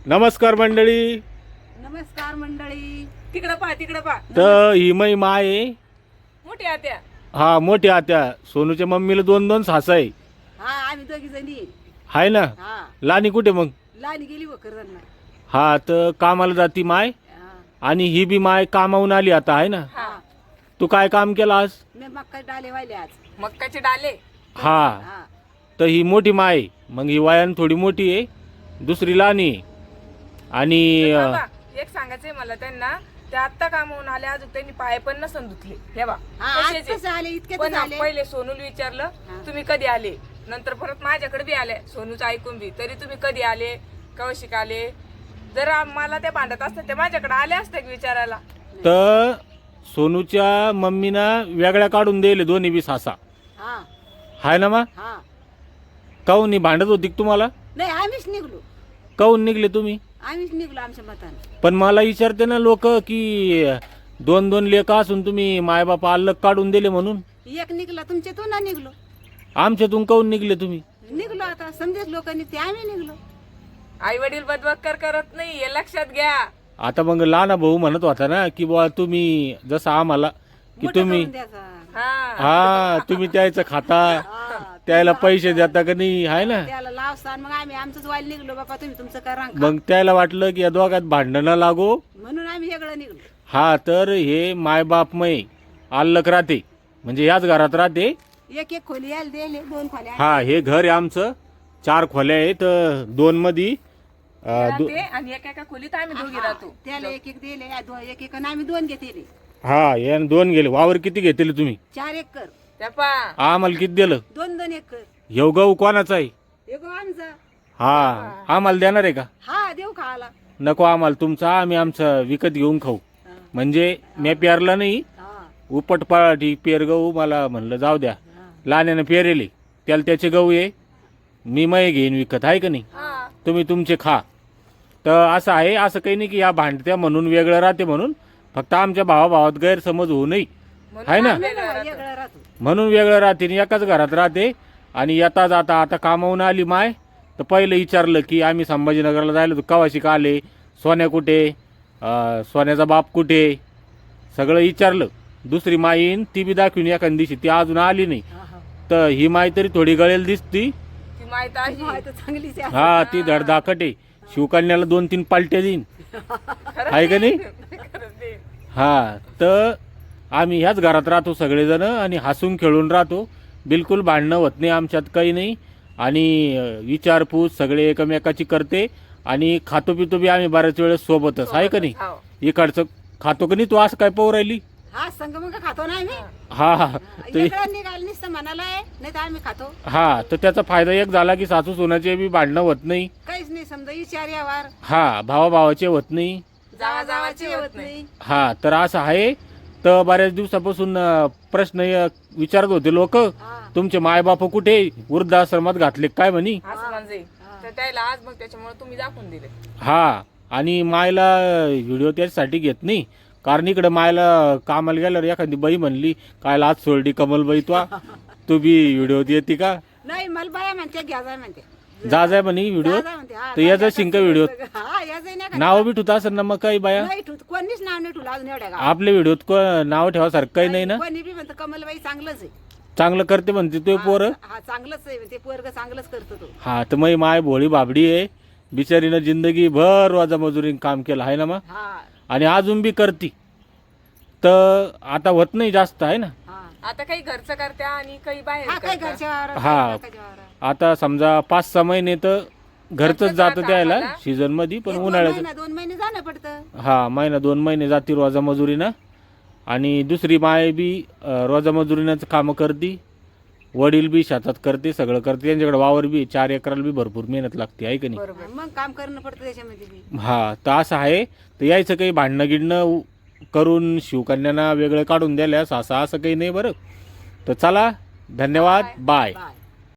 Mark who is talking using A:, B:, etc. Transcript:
A: नमस्कार मंडळी.
B: नमस्कार मंडळी. तिकडं पहा
A: तर ही मै माय आहे.
B: मोठी आत्या.
A: हा मोठी आत्या. सोनूच्या मम्मीला 2-2 सासा आहे.
B: हा आम्ही दोघी जणी
A: हाय ना.
B: हा
A: लानी कुठे मग?
B: लहान गेली वखरदांना.
A: हा तर कामाला जाती माय आणि ही बी माय कामावून आली आता आहे ना.
B: हा
A: तू काय काम केलं आज?
B: मी मक्का डाले वाहिले आज.
C: मक्काचे डाले.
A: हा
B: हा
A: तर ही मोठी माय आहे. मग ही वयान थोडी मोठी आहे, दुसरी लहानी आहे. आणि
C: तर बाबा, एक सांगायचंय मला त्यांना, ते आत्ता कामावून आले, अजून त्यांनी पाय पण नसन धुतले. हे बा
B: हा आज कसं आले इतके
C: पण
B: आले.
C: पहिले सोनूला विचारलं तुम्ही कधी आले, नंतर परत माझ्याकडे बी आले सोनूचं ऐकून बी, तरी तुम्ही कधी आले, कवा शिकाले. जर मला ते भांडत असते ते माझ्याकडे आले असते विचारायला.
A: तर सोनूच्या मम्मीनं वेगळ्या काढून दिले दोन्ही बी सासा.
B: हा
A: हाय ना मा?
B: हा
A: काहून भांडत होती का तुम्हाला?
B: नाही आम्हीच निघलो.
A: काहून निघले तुम्ही?
B: आम्हीच निघलो आमच्या मतानं.
A: पण मला विचारते ना लोक की 2-2 लेखा असून तुम्ही मायबाप अलग काढून दिले म्हणून.
B: एक निघला तुमच्यातून ना निघलो.
A: आमच्यातून काहून निघले तुम्ही?
B: निघलो आता समजेच लोकांनी ते आम्ही निघलो.
C: आई वडील बदबक्कर करत नाही हे लक्षात घ्या.
A: आता मग लहान भाऊ म्हणत होता ना की बुवा तुम्ही जसं आम्हाला की
B: मोठं
A: तुम्ही
B: करून द्यायचा.
C: हा
A: हा तुम्ही त्याचं खाता,
B: हा,
A: त्याला पैसे देता का नाही आहे ना.
B: त्याला लावसान मग आम्ही आमचंच वाईल निघलो. बाबा तुम्ही तुमचं करा.
A: मग त्याला वाटलं की या दोघात भांडण न लागो.
B: म्हणून आम्ही वेगळं निघलो.
A: हा तर हे मायबापमय अलग राहते, म्हणजे याच घरात राहते.
B: एक एक खोली यायला दिले 2 खोल्या.
A: हा हे घर आहे आमचं. 4 खोल्या आहेत. 2 मध्ये
C: ते आणि एका खोलीत आम्ही दोघी राहतो.
B: त्याला एक एक दिले एक एक आणि आम्ही 2 घेतले.
A: हा यानं 2 गेले. वावर किती घेतले तुम्ही?
B: 4 एकर.
C: त्या पा
A: आम्हाला किती दिलं?
B: 2 एकर.
A: ह्यो गहू कोणाचा आहे?
B: एक आमचा.
A: हा आम्हाला देणार आहे का?
B: हा देऊ खायला.
A: नको आम्हाला तुमचा, आम्ही आमचं विकत घेऊन खाऊ.
B: हा,
A: म्हणजे मी पेरला नाही,
B: हा,
A: उपटपाठी पेर गहू. मला म्हणलं जाऊ द्या,
B: हा.
A: लहान्यानं पेरेले त्याला त्याचे गहू आहे, मी मय घेईन विकत आहे का नाही.
C: हा
A: तुम्ही तुमचे खा. तर असं आहे. असं काही नाही की या भांडत्या म्हणून वेगळं राहते म्हणून. फक्त आमच्या भावाभावात गैरसमज होऊ नये आहे ना,
B: वेगळं राहतो.
A: म्हणून वेगळं राहते आणि एकाच घरात राहते. आणि येता जाता आता कामावून आली माय, तर पहिलं विचारलं की आम्ही संभाजीनगरला जायला होतो, कवाशी का आले, सोन्या कुठे, सोन्याचा बाप कुठे, सगळं विचारलं. दुसरी माई येईन ती बी दाखवून एखाद्या दिवशी, ती अजून आली नाही.
B: हा, हा.
A: तर ही माई तरी थोडी गळेल दिसती.
C: ती माहित आहे.
B: हा, तर चांगलीच आहे.
A: हा ती धडधाकट आहे. शिवकन्याला 2-3 पालट्या देईन आहे का नाही.
C: खरंच ते.
A: हा तर आम्ही ह्याच घरात राहतो सगळेजण आणि हसून खेळून राहतो. बिलकुल भांडणं होत नाही आमच्यात, काही नाही. आणि विचारपूस सगळे एकमेकाची करते. आणि खातो पितो बी आम्ही बऱ्याच वेळेस सोबतच आहे का नाही.
C: हो.
A: इकडचं खातो का नाही तू? असं काय पाहू राहिली?
B: हा संग मग खातो ना आम्ही.
A: हा हा तर
B: वेगळं निघाल नुसतं म्हणाला आहे, नाही तर आम्ही खातो.
A: हा तर त्याचा फायदा एक झाला की सासू सोनाचे बी भांडणं होत नाही.
B: काहीच नाही समजा विचार यावर
A: हा भावाभावाचे होत नाही.
C: जावाजावाची होत नाही.
A: हा तर असं आहे. तर बऱ्याच दिवसापासून प्रश्न विचारत होते लोक,
B: हा.
A: तुमचे मायबाप कुठे, वृद्धाश्रमात घातले काय म्हणी.
C: असं म्हणजे तर त्याला आज मग त्याच्यामुळे तुम्ही दाखवून दिले.
A: हा आणि मायला व्हिडिओ त्याच्यासाठी घेत नाही, कारण इकडे मायला कामाला गेल्यावर एखादी बाई म्हणली काय लाच सोडली कमलबाई तू बी व्हिडिओ येते का?
B: नाही मला बाया म्हणते घ्या जाय म्हणते.
A: जा जाय म्हणे व्हिडिओ.
B: जा म्हणते. हा,
A: तर याचा
B: जा
A: शिंका व्हिडिओ
B: हा या जाई नाही का?
A: नाव बी ठेवता असेल ना मग काही बाया.
B: नाही ठेवत कोणीच नाव नाही ठेवलं अजून एवढ्या गावात.
A: आपल्या व्हिडिओत नाव ठेवासारखं काही नाही ना.
B: कोणी बी म्हणतं कमलबाई चांगलंच आहे.
A: चांगलं करते म्हणते तो पोर.
B: हा चांगलंच आहे ते पोरग चांगलंच करतो तो.
A: हा तर मग माय भोळी बाबडी आहे. बिचारीनं जिंदगी भर वाजा मजुरीने काम केलं आहे ना मग,
B: हा
A: आणि अजून बी करती. तर आता होत नाही जास्त आहे ना.
B: हा
C: आता काही घरचं करत्या आणि काही बाहेर
B: हा काही
C: करत्या.
B: घरच्या वावरात,
A: हा.
B: काही लोकांच्या वावरात.
A: आता समजा 5-6 महिने तर घरचंच
C: घरचंच
A: जातं
C: राहतं
A: त्याला
C: आम्हाला.
A: सीझन मध्ये. पण
B: 1-2
A: उन्हाळ्याचं
B: महिना, 2 महिने जाणं पडतं.
A: हा महिना 2 महिने जाती रोजा मजुरीनं. आणि दुसरी माय बी रोजा मजुरीनं कामं करते. वडील बी शेतात करते, सगळं करते. त्यांच्याकडे वावर बी 4 एकराला बी भरपूर मेहनत लागते आहे का नाही.
C: बरोबर.
B: मग काम करणं पडतं त्याच्यामध्ये बी.
A: हा तर असं आहे. तर यायचं काही भांडणं गिडणं करून शिवकन्यांना वेगळं काढून द्यायला सासा असं काही नाही बरं. तर चला धन्यवाद. बाय.
B: बाय.